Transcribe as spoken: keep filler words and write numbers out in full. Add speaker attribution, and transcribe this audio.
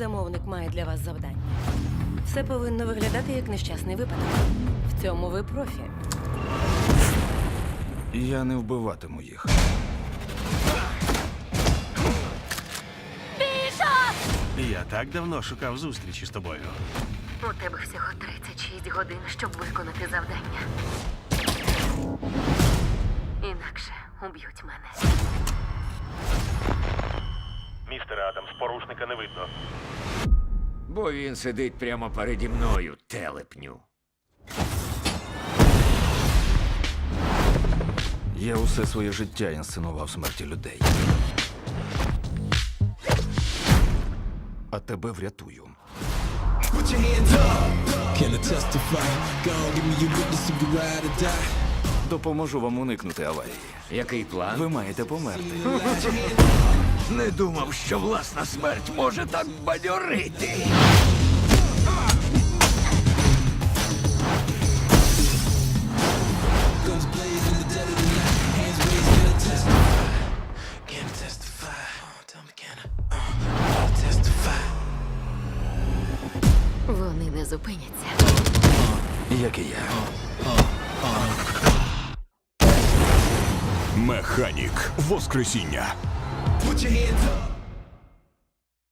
Speaker 1: замовник має для вас завдання. Все повинно виглядати як нещасний випадок. В цьому ви профі.
Speaker 2: Я не вбиватиму їх.
Speaker 3: Я так давно шукав зустрічі з тобою.
Speaker 4: У тебе всього тридцять шість годин, щоб виконати завдання. Інакше уб'ють мене.
Speaker 3: Містер Адамс, порушника не видно.
Speaker 5: Бо він сидить прямо переді мною, телепню.
Speaker 2: Я усе своє життя інсценував смерті людей. А тебе врятую.
Speaker 6: Can I testify? Go on, give me your witness if you ride or die.
Speaker 2: Допоможу вам уникнути аварії.
Speaker 5: Який план?
Speaker 2: Ви маєте померти.
Speaker 5: Не думав, що власна смерть може так бадьорити.
Speaker 6: Guns blazing, the dead of the night. Hands raised, can I testify? Can I testify? Oh, tell me, can I? Uh, testify.
Speaker 4: Вони не зупиняться.
Speaker 2: Як і я.
Speaker 7: Механік. Воскресіння.
Speaker 6: Put your hands